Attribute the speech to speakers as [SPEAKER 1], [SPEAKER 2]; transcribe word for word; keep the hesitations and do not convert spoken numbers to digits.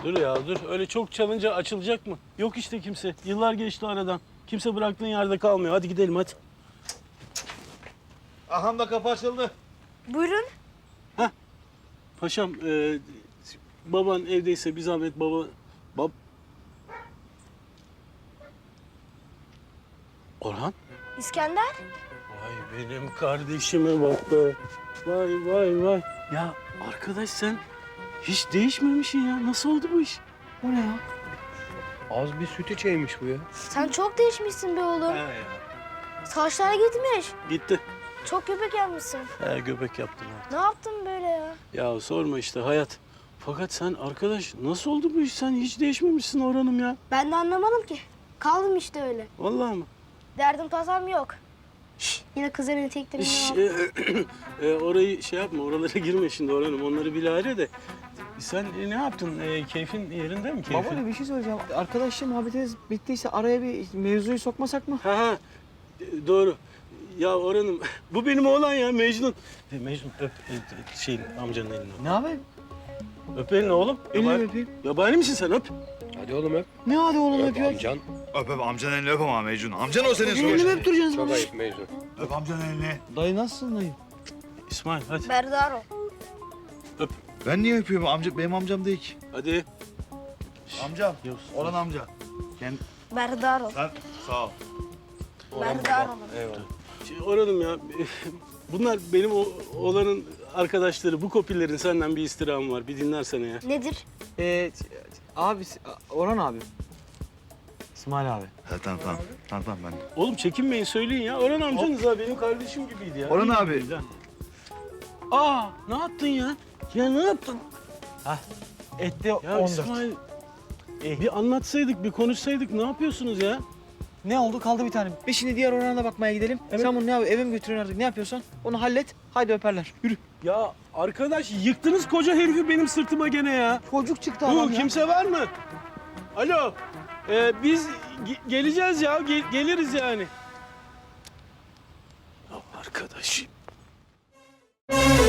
[SPEAKER 1] Dur ya dur. Öyle çok çalınca açılacak mı? Yok işte kimse. Yıllar geçti aradan. Kimse bıraktığın yerde kalmıyor. Hadi gidelim hadi.
[SPEAKER 2] Aham da kapı açıldı.
[SPEAKER 3] Buyurun.
[SPEAKER 1] Paşam e, baban evdeyse bir zahmet baba... Bab... Orhan?
[SPEAKER 3] İskender.
[SPEAKER 1] Vay benim kardeşime bak be. Vay vay vay. Ya arkadaş sen hiç değişmemişsin ya. Nasıl oldu bu iş?
[SPEAKER 4] O ne ya? Az bir süt içeymiş bu ya.
[SPEAKER 3] Sen çok değişmişsin be oğlum.
[SPEAKER 1] He ya.
[SPEAKER 3] Saçlar gitmiş.
[SPEAKER 1] Gitti.
[SPEAKER 3] Çok göbek yapmışsın.
[SPEAKER 1] He göbek yaptım ha.
[SPEAKER 3] Ne yaptın böyle ya?
[SPEAKER 1] Ya sorma işte hayat. Fakat sen arkadaş nasıl oldu bu iş? Sen hiç değişmemişsin Orhan'ım ya.
[SPEAKER 3] Ben de anlamadım ki. Kaldım işte öyle.
[SPEAKER 1] Vallahi mı?
[SPEAKER 3] Derdim tasam yok. Şş, yine kız evini tektirme.
[SPEAKER 1] Şş, e, e, orayı şey yapma, oralara girme şimdi Orhan'ım. Onları bilahare de. Sen e, ne yaptın? E, keyfin yerinde mi keyfin?
[SPEAKER 4] Baba bir şey söyleyeceğim. Arkadaşlar muhabbetiniz bittiyse araya bir mevzuyu sokmasak mı?
[SPEAKER 1] Ha ha, e, doğru. Ya Orhan'ım, bu benim oğlan ya Mecnun. E, Mecnun öp e, e, şeyin, amcanın elini.
[SPEAKER 4] Ne abi?
[SPEAKER 1] Öp elini oğlum.
[SPEAKER 4] Elini
[SPEAKER 1] Yabani-
[SPEAKER 4] öpeyim.
[SPEAKER 1] Yabani misin sen öp?
[SPEAKER 5] Hadi oğlum öp.
[SPEAKER 4] Ne hadi oğlum
[SPEAKER 5] Öp
[SPEAKER 4] öpüyor?
[SPEAKER 5] amcan.
[SPEAKER 2] Öp öp amcanın elini öp ama Mecnun. Amcan o senin
[SPEAKER 4] Elini mi
[SPEAKER 2] sonuçta.
[SPEAKER 4] öptüreceksiniz
[SPEAKER 5] Çok
[SPEAKER 4] baba?
[SPEAKER 5] ayıp Mecnun.
[SPEAKER 2] Öp amcanın elini.
[SPEAKER 4] Dayı nasılsın dayı?
[SPEAKER 1] İsmail hadi.
[SPEAKER 3] Berdar ol.
[SPEAKER 2] Ben niye öpüyorum? Amca, benim amcam değil ki.
[SPEAKER 1] Hadi.
[SPEAKER 2] Amcam.
[SPEAKER 1] Yavuz.
[SPEAKER 2] Orhan amca. Kend...
[SPEAKER 3] Berdar ol.
[SPEAKER 2] Sen sağ ol.
[SPEAKER 3] Berdar ol.
[SPEAKER 5] Eyvallah.
[SPEAKER 1] Şey, Orhan'ım ya, bunlar benim o, oğlanın arkadaşları. Bu kopillerin senden bir istirhamı var. Bir dinlersene ya.
[SPEAKER 3] Nedir?
[SPEAKER 4] Ee, abi, Orhan abi. İsmail abi.
[SPEAKER 2] Ha, tamam tamam. Tamam tamam ben.
[SPEAKER 1] Oğlum çekinmeyin söyleyin ya. Orhan amcanız ha benim kardeşim gibiydi ya.
[SPEAKER 2] Orhan
[SPEAKER 1] İyi
[SPEAKER 2] abi.
[SPEAKER 1] gibiydi ha. Aa ne yaptın ya? Ya ne yaptın?
[SPEAKER 4] Etti
[SPEAKER 1] Ya
[SPEAKER 4] on dört.
[SPEAKER 1] İsmail bir anlatsaydık, bir konuşsaydık ne yapıyorsunuz ya?
[SPEAKER 4] Ne oldu? Kaldı bir tane. Biz şimdi diğer Orhan'a da bakmaya gidelim. Sen bunu ne yap? Eve mi götürüyorsun artık? Ne yapıyorsan onu hallet. Haydi öperler. Yürü.
[SPEAKER 1] Ya arkadaş yıktınız koca herifi benim sırtıma gene ya.
[SPEAKER 4] Çocuk çıktı
[SPEAKER 1] Bu
[SPEAKER 4] adam ya.
[SPEAKER 1] kimse var mı? Alo. Ee, biz ge- geleceğiz ya. Gel- geliriz yani. Ya arkadaş.